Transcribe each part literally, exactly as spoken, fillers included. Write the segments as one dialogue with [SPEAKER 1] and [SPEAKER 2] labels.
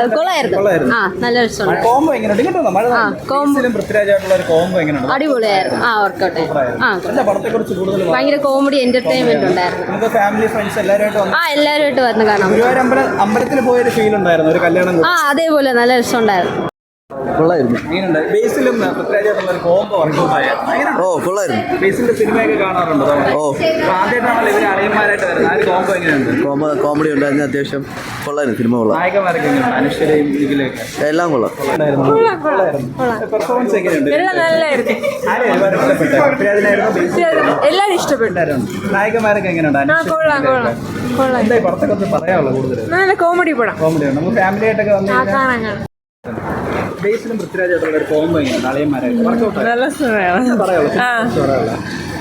[SPEAKER 1] കൊള്ളായിരുന്നു. ആ നല്ല രസമുണ്ട്.
[SPEAKER 2] കോംബോ എങ്ങനെയുണ്ട്? കേട്ടോ മഴ പൃഥ്വിരാജായിട്ടുള്ള ഒരു കോംബോ എങ്ങനെയുണ്ട്?
[SPEAKER 1] അടിപൊളിയായിരുന്നു. ആ വർക്കൗട്ട് ആ
[SPEAKER 2] പടത്തെക്കുറിച്ച് കൂടുതൽ
[SPEAKER 1] ഭയങ്കര കോമഡി എന്റർടൈൻമെന്റ് ഉണ്ടായിരുന്നു.
[SPEAKER 2] നമുക്ക് ഫാമിലി ഫ്രണ്ട്സ് എല്ലാവരുമായിട്ട്
[SPEAKER 1] ആ എല്ലാവരുമായിട്ട് വന്ന് കാണാം.
[SPEAKER 2] ഗുരുവായൂർ അമ്പലം അമ്പലത്തിൽ പോയൊരു ഫീൽ ഉണ്ടായിരുന്നു, ഒരു കല്യാണം.
[SPEAKER 1] ആ അതേപോലെ നല്ല രസമുണ്ടായിരുന്നു.
[SPEAKER 3] കൊള്ളായിരുന്നു.
[SPEAKER 2] ബേസിലും പൃഥ്വിരാജായിട്ടുള്ള ഒരു കോംബോ വർക്കൗട്ടായ
[SPEAKER 3] ഓ കൊള്ളായിരുന്നു.
[SPEAKER 2] ബേസിന്റെ സിനിമയൊക്കെ കാണാറുണ്ടോ?
[SPEAKER 3] ഓ
[SPEAKER 2] ആദ്യമായിട്ടാണല്ലോ ഇവര് അളിയന്മാരായിട്ട് വരുന്നത്. ആ ഒരു കോംബോ എങ്ങനെയുണ്ട്?
[SPEAKER 3] കോമ കോമഡി ഉണ്ടായിരുന്നു, അത്യാവശ്യം കൊള്ളായിരുന്നു. സിനിമ കൊള്ളാം.
[SPEAKER 2] നായകന്മാരൊക്കെ എങ്ങനെയുണ്ട്? അനുശ്വരയും ഇതിലൊക്കെ
[SPEAKER 3] എല്ലാം കൊള്ളാം.
[SPEAKER 2] പെർഫോമൻസ് എങ്ങനെയുണ്ട്?
[SPEAKER 4] നല്ലായിരുന്നു.
[SPEAKER 2] ആരെയും ഒരുപാട് ഇഷ്ടപ്പെട്ടു? പൃഥ്വിരാജിനായിരുന്നു?
[SPEAKER 4] എല്ലാരും ഇഷ്ടപ്പെട്ടു.
[SPEAKER 2] നായകന്മാരൊക്കെ എങ്ങനെയുണ്ട്? എന്തായി പടത്തൊക്കെ ഒന്ന് പറയാനുള്ളത് കൂടുതൽ?
[SPEAKER 4] നല്ല കോമഡി പടം.
[SPEAKER 2] കോമഡി ഉണ്ട്. നമുക്ക് ഫാമിലി ആയിട്ടൊക്കെ വന്നു. ബേസിലും പൃഥ്വിരാജായിട്ടുള്ള ഒരു കോംബോ എങ്ങനെയുണ്ട്? അളിയന്മാരായിട്ട് വർക്കൗട്ട്
[SPEAKER 4] നല്ല സിനിമയാണ്.
[SPEAKER 2] പറയാനുള്ളത്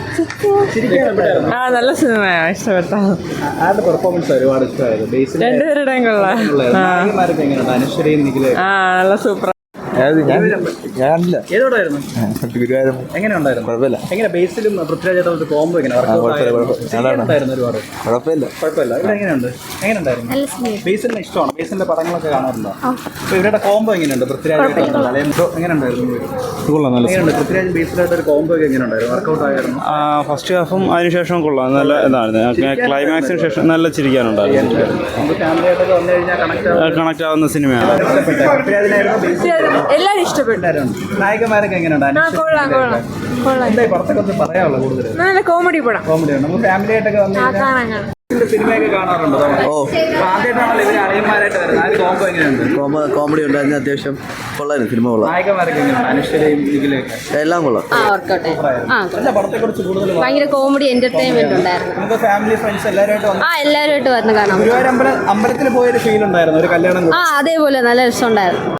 [SPEAKER 4] ആ നല്ല സിനിമയാണ്, ഇഷ്ടപ്പെട്ട.
[SPEAKER 2] ആരുടെ പെർഫോമൻസ് ഒരുപാട് ഇഷ്ടമായത്? ബേസിൽ
[SPEAKER 4] രണ്ടുപേരുടെയും കൊള്ളാം.
[SPEAKER 2] നായകന്മാരൊക്കെ എങ്ങനെയുണ്ട്? അനുശ്വരയും നിഖിലും.
[SPEAKER 4] ആ നല്ല സൂപ്പർ.
[SPEAKER 3] ഞാനില്ല.
[SPEAKER 2] ഏതോടായിരുന്നു?
[SPEAKER 3] ഗുരുവായൂർ.
[SPEAKER 2] എങ്ങനെ ഉണ്ടായിരുന്നു?
[SPEAKER 3] കുഴപ്പമില്ല.
[SPEAKER 2] എങ്ങനെ ബേസിലും പൃഥ്വിരാജായിട്ടുള്ള കോംബോ എങ്ങനെ ഉണ്ടായിരുന്നു? ഒരുപാട്
[SPEAKER 3] കുഴപ്പമില്ല.
[SPEAKER 2] കുഴപ്പമില്ല. ഇവിടെ എങ്ങനെയുണ്ട്? എങ്ങനെയുണ്ടായിരുന്നു? ബേസിലിനെ ഇഷ്ടമാണ്. ബേസിലിന്റെ പടങ്ങളൊക്കെ കാണാറുണ്ടോ? അപ്പൊ ഇവരുടെ കോംബോ എങ്ങനെയുണ്ട്? പൃഥ്വിരാജായിട്ടുള്ള എങ്ങനെയുണ്ടായിരുന്നു? എങ്ങനെയുണ്ട്? പൃഥ്വിരാജ് ബേസിലായിട്ട് ഒരു കോംബോ ഒക്കെ എങ്ങനെയുണ്ടായിരുന്നു? വർക്കൗട്ട് ആയിരുന്നു.
[SPEAKER 5] ഫസ്റ്റ് ഹാഫും അതിനുശേഷം കൊള്ളാം, നല്ല ഇതായിരുന്നു. ക്ലൈമാക്സിന് ശേഷം നല്ല ചിരിക്കാനുണ്ടായിരുന്നു.
[SPEAKER 2] നമുക്ക് ഫാമിലി ആയിട്ടൊക്കെ വന്നു കഴിഞ്ഞാൽ കണക്ട്
[SPEAKER 5] കണക്ട് ആവുന്ന സിനിമയാണ്.
[SPEAKER 2] പൃഥ്വിരാജിനായിരുന്നു.
[SPEAKER 4] എല്ലാരും ഇഷ്ടപ്പെട്ടു.
[SPEAKER 2] നായകന്മാരൊക്കെ എങ്ങനെയുണ്ട്? എന്തായി പടത്തൊക്കെ ഒന്ന് പറയാനുള്ളത് കൂടുതൽ?
[SPEAKER 4] നല്ല കോമഡി പടം.
[SPEAKER 2] കോമഡി ഉണ്ട്. നമുക്ക് ഫാമിലി ആയിട്ടൊക്കെ വന്നു കഴിഞ്ഞാൽ സിനിമയൊക്കെ കാണാറുണ്ടോ?
[SPEAKER 3] ഓ
[SPEAKER 2] ആദ്യമായിട്ടാണല്ലോ ഇവര് അളിയന്മാരായിട്ട് വരുന്നത്. ആ ഒരു കോംബോ എങ്ങനെയുണ്ട്?
[SPEAKER 3] കോമ കോമഡി ഉണ്ടായിരുന്നു, അത്യാവശ്യം കൊള്ളായിരുന്നു. സിനിമ കൊള്ളാം.
[SPEAKER 2] നായകന്മാരൊക്കെ എങ്ങനെയുണ്ട്? അനുശ്വരയും നിഖിലൊക്കെ.
[SPEAKER 3] എല്ലാം കൊള്ളാം.
[SPEAKER 1] ആ വർക്കൗട്ട് ആ
[SPEAKER 2] പടത്തെക്കുറിച്ച് കൂടുതൽ
[SPEAKER 1] ഭയങ്കര കോമഡി എന്റർടൈൻമെന്റ് ഉണ്ടായിരുന്നു.
[SPEAKER 2] നമുക്ക് ഫാമിലി ഫ്രണ്ട്സ് എല്ലാവരുമായിട്ട് വന്നു.
[SPEAKER 1] ആ എല്ലാവരുമായിട്ട് വന്ന് കാണാം.
[SPEAKER 2] ഗുരുവായൂർ അമ്പലം അമ്പലത്തിൽ പോയൊരു ഫീൽ ഉണ്ടായിരുന്നു, ഒരു കല്യാണം.
[SPEAKER 1] ആ അതേപോലെ നല്ല രസമുണ്ടായിരുന്നു.